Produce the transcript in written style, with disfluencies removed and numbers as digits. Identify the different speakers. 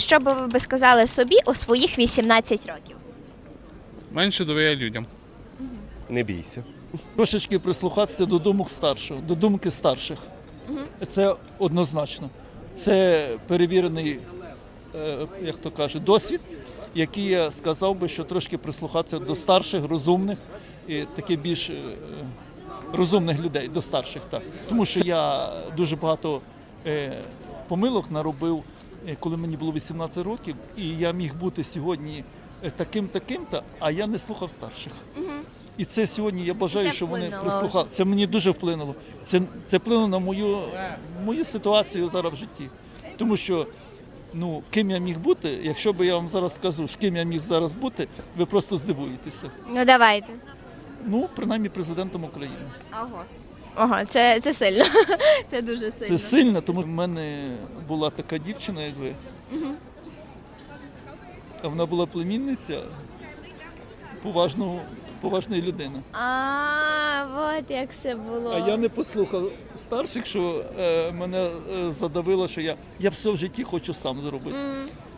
Speaker 1: що би ви сказали собі у своїх 18 років?
Speaker 2: Менше довіряй людям.
Speaker 3: Не бійся.
Speaker 4: Трошечки прислухатися до думок старших, до думки старших. Це однозначно. Це перевірений, як то кажуть, досвід, який я сказав би, що трошки прислухатися до старших, розумних і таких більш розумних людей, до старших. Так. Тому що я дуже багато помилок наробив, коли мені було 18 років, і я міг бути сьогодні таким-то, а я не слухав старших. І це сьогодні я бажаю,
Speaker 1: Це
Speaker 4: що вони
Speaker 1: вплинуло
Speaker 4: прислухали. Це мені дуже вплинуло. Це вплинуло на мою ситуацію зараз в житті. Тому що, ким я міг бути, якщо б я вам зараз скажу, ким я міг зараз бути, ви просто здивуєтеся.
Speaker 1: Ну давайте.
Speaker 4: Принаймні президентом України.
Speaker 1: Ого, це сильно. Це дуже сильно.
Speaker 4: Це сильно, тому в мене була така дівчина, як ви. А вона була племінниця поважної людини.
Speaker 1: От як це було.
Speaker 4: А я не послухав старших, що мене задавило, що я все в житті хочу сам зробити.